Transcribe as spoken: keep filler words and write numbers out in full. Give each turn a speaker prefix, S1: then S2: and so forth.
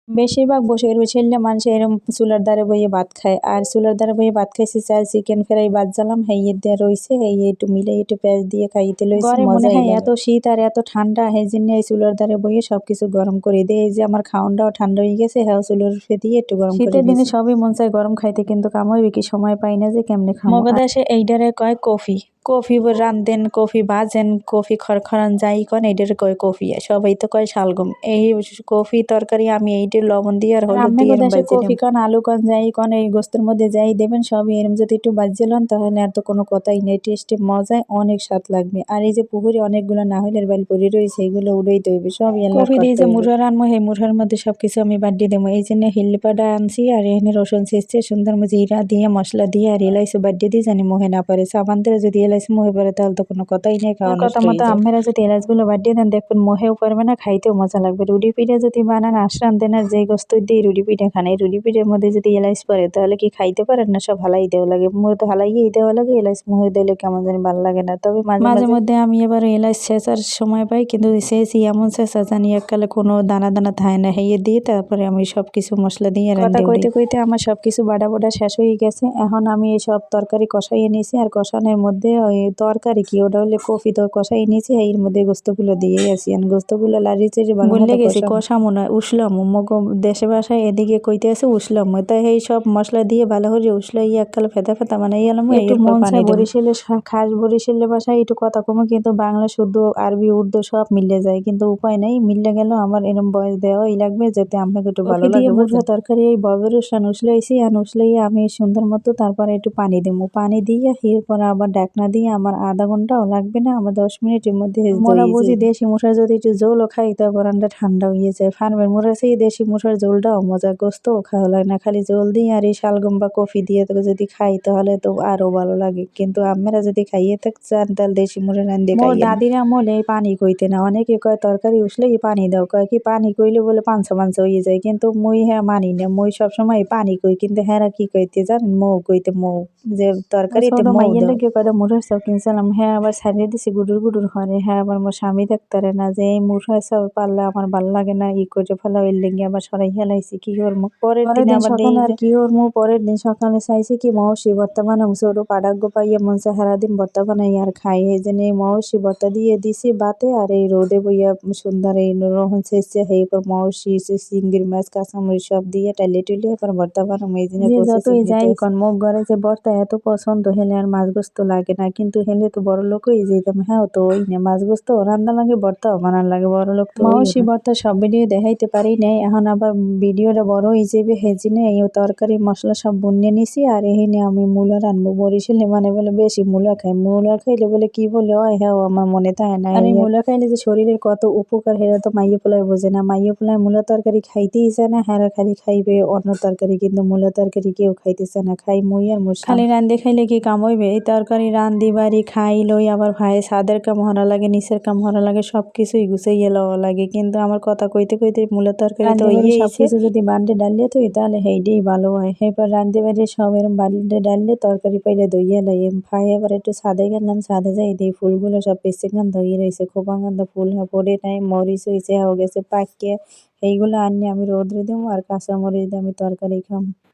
S1: বেশিরভাগ বসে রইছিল্যা মানুষ এরম চুলার ধারে বইয়ে ভাত খায়। আর চুলার ধারে বইয়ে ভাত খাইছি চাল চিকেন ফ্রাই ভাত জ্বালাম হেইয়ে দিয়ে রইছে হেইয়ে একটু মিলে একটু পেঁয়াজ দিয়ে খাইতে লইছি
S2: ঘরে মনে
S1: মজাই
S2: হয়
S1: লাগে।
S2: এত শীত আর এত ঠান্ডা সেই জন্য এই চুলার ধারে বইয়ে সবকিছু গরম করে দেয়। এই যে আমার খাওনটাও ঠান্ডা হয়ে গেছে, হ্যাঁ চুলার উপরে দিয়ে একটু গরম করে
S1: শীতের দিনে
S2: দিয়েছি।
S1: সবই মন চায় গরম খাইতে, কিন্তু কামড় কি সময় পাই না যে কেমনে খামো।
S2: মগো দেশে এইটারে কয় কফি। কফি রান্ধেন, কফি ভাজেন, কফি খরখরান যাই কন এইটারে কয় কফি। সবাই তো কয় শালগম। এই কফি তরকারি আমি এইটা লবণ দিয়ে আর হলুদ দিয়ে
S1: আপনাদের
S2: এরম
S1: দেশে
S2: ভাইজে
S1: কফি
S2: নিম।
S1: কন আলু কন যাই কন এই গোস্তের মধ্যে যাই দেবেন সবই এরম যদি একটু বাজিয়ে লন তাহলে আর তো কোনো কথাই নেই, টেস্টে মজায় অনেক স্বাদ লাগবে। আর এই যে পুকুরে অনেকগুলো নাহলের বাল পড়ে রয়েছে এগুলো উড়াইতে হইবে সব এলার
S2: কফি দিয়ে
S1: করতে
S2: যে
S1: হইবে।
S2: মুড়া রানবো সেই মুড়ার মধ্যে সবকিছু আমি বাড়িয়ে দেবো। এই জন্য হিল্লিপাটা আনছি আর এখানে রসুন ছেঁচছে সুন্দর জিরা দিয়ে মশলা দিয়ে আর এলাইচি বাড়িয়ে দিয়ে জানি মোহে না পারে। সাবান দিয়ে যদি এলাইচি মোহে পারে তাহলে তো কোনো কথাই নেই, খাওয়া
S1: আমার
S2: নষ্ট
S1: কথা
S2: হয়ে
S1: মতো
S2: যায়।
S1: আম্মেরা যদি এলাচগুলো বাড়িয়ে দেন দেখবেন মোহেও পারবে না, খাইতেও মজা লাগবে। রুটি পিঠা যদি বানান আশ্রান দেন আর যেই গোস্ত দিয়ে রুটি পিঠা খান, এই রুটি পিঠার মধ্যে যদি এলাইচ পড়ে তাহলে কি খাইতে পারেন না? সব হালাই দেওয়া লাগে, মোহে তো হালাইয়েই দেওয়া লাগে, এলাইচ মোহে দিলে কেমন জানি ভালো লাগে না। তবে মাঝে
S2: মাঝে
S1: মাঝে
S2: মধ্যে আমি এবার এলাচ ছেঁচার সময় পাই, কিন্তু ছেঁচি এমন ছেঁচা জানি এককালে কোনো দানা দানা থাকে না, হেয়ে দিয়ে তারপরে আমি সব কিছু মশলা দিয়ে
S1: কথা
S2: রান্ধে উঠি।
S1: কইতে কইতে আমার সবকিছু বাটা বাটা শেষ হয়ে গেছে। এখন আমি এই সব তরকারি কষাইয়ে নিয়েছি আর কষানোর মধ্যে ওই তরকারি কি ওটা হলে কফি তো কষাই নিয়েছি এর মধ্যে গোস্তগুলো দিয়েই আছি। আর গোস্তগুলো লাড়ি চেড়ে ভালো
S2: বললে
S1: মতো
S2: গেছি
S1: কষাম।
S2: কষামো নয় উসলামো, মগো দেশে বাসায় এদিকে কইতে আছে উসলামো। তাই এই সব মশলা দিয়ে ভালো করে উসলাই এককালে ফেতা ফেতা বানাই এলাম,
S1: একটু
S2: এরপর
S1: মন
S2: পানি
S1: চায়
S2: দেবো।
S1: বরিশালের শা- খাস বরিশালের ভাষায় একটু কথা কমে, কিন্তু বাংলা শুদ্ধ আরবি উর্দু সব মিলে যায়, কিন্তু উপায় নাই মিললে গেল আমার এরম বয়স দেওয়াই লাগবে যাতে আপনাকে একটু ভালো
S2: কফি দিয়ে
S1: লাগে
S2: মুড়া
S1: বুঝছেন। তরকারি এই ববের উসান উসলাইছি আর উসলাইয়ে আমি সুন্দর মতো তারপরে একটু পানি দেবো, পানি দিয়ে এরপর আবার ঢাকনা দিয়ে আমার আধা ঘন্টাও লাগবে না, আমার দশ মিনিটের মধ্যে
S2: মোরা
S1: হয়ে
S2: বুঝি
S1: যাবে।
S2: দেশি মুসার যদি একটু জোলও খাই তারপর আমরা ঠান্ডা হয়ে যায়। ফার্মের মুড়া সেই দেশি মুসার জোলটাও মজা, গোস্তও খাওয়া লাগে না, খালি জোল দিয়ে আর এই শালগম বা কফি দিয়ে তো যদি খাই তাহলে তো আরো ভালো লাগে। কিন্তু আপনারা যদি খাইয়ে থাকতে চান তাহলে দেশি মুড়া রান্ধে
S1: মোর
S2: খাইয়েন।
S1: দাদির আমলে এই পানি কইতে না, অনেকে কয় তরকারি উসলে পানি দাও, কয় কি পানি কইলে বলে পাঞ্চা পাঞ্চা হয়ে যায়, কিন্তু মুই হ্যাঁ মানি না, মুই সবসময় পানি কই, কিন্তু হ্যাঁ কি কইতে জানেন মৌ কইতে, মৌ যে তরকারিতে ছোট
S2: মৌ
S1: মাইয়ের
S2: দাও।
S1: লেগে কয়টা মুঠার চাও কিনছিলাম, হ্যাঁ আবার ছাড়িয়ে দিছি গুডুর গুডুর ঘরে, হ্যাঁ আবার মোর স্বামী দেখতারে না যে এই মুঠার চাও পারলে আমার ভাল লাগে না ই করে ফেলা, এর লেগে আবার সরাই হেলাইছি কি করবো। পরের
S2: পরের
S1: দিনে
S2: দিন
S1: আবার দেই
S2: সকালে আর
S1: যে
S2: কি করবো, পরের দিন সকালে চাইছি কি মৌসি ভর্তা বানাম, ছোট পাঠাগ্য পাইয়া মন চায় সারাদিন ভর্তা বানাই আর খাই। এই জন্য এই মৌসি ভর্তা দিয়ে দিছি বাতে আর এই রোদে বইয়া সুন্দর এই রহন শেষে সেই পর মৌসি চিংড়ি মাছ কাঁচামরিচ সব দিয়ে টাইলে টুলে এবার ভর্তা বানাম, এই জন্য
S1: যে
S2: প্রসেসিং
S1: যতই যাই
S2: হইতে
S1: কন মোর ঘরে যে ভর্তা এত পছন্দ হেলে আর মাছ গোস্ত লাগে না, কিন্তু হেলে তো বড় লোক হয়ে যেতাম। হ্যাঁ তো ওই না মাছ গোস্ত রান্না লাগে ভর্তাও বানান লাগে, বড় লোক তো ওই মাওসি না। ভর্তা সব ভিডিও দেখাইতে পারি নাই, এখন আবার ভিডিওটা বড় হয়ে যাবে হেজিনে এই তরকারি মশলা সব বুনিয়ে নিছি। আর এখানে আমি মূলা রানবো, বরিশালে মানে বলে বেশি মূলা খাই, মূলা খাইলে বলে কি বলে হয় হ্যাঁ আমার মনে থাকে না। আর এই মূলা খাইলে যে শরীরের কত উপকার সেটা তো মাইয়ে পোলায় বোঝে না, মাইয়ে পোলায় মূলা তরকারি খাইতেই চায় না, হ্যাঁ খালি খাইবে অন্য তরকারি, কিন্তু মূলা তরকারি কেউ খাইতেছে না, খাই মুই আর মোর
S2: খালি
S1: স্বামী।
S2: রান্ধে খাইলে কি কাম হইবে? এই তরকারি রান্ধি বাড়ি খাই লই আবার ভাই ছাদের কাম হরা লাগে, নিচের কাম হরা লাগে, সব কিছুই গুছাইয়া লওয়া লাগে, কিন্তু আমার কথা কইতে কইতে মূলা তরকারি তো
S1: রান্ধে বাড়ি
S2: হইয়েইছে।
S1: সবকিছু যদি বান্ডে ডালিয়ে থই তাহলে সেইটাই ভালো হয়। এরপর রান্ধে বাড়ি সব এরম বান্ডে ডাললে তরকারি পাইলে ধুইয়া লাই ভাই, এবার একটু ছাদে গেলাম, ছাদে যাই দিয়ে ফুলগুলো সব পেছে গান্ধ হয়ে রয়েছে, খোপা গান্ধ ফুল পড়ে নাই, মরিচ হয়েছে হয়ে গেছে পাকিয়ে, এইগুলো আনিয়ে আমি রোদ্রে দেবো আর কাঁচা মরিচ দিয়ে আমি তরকারি খাম।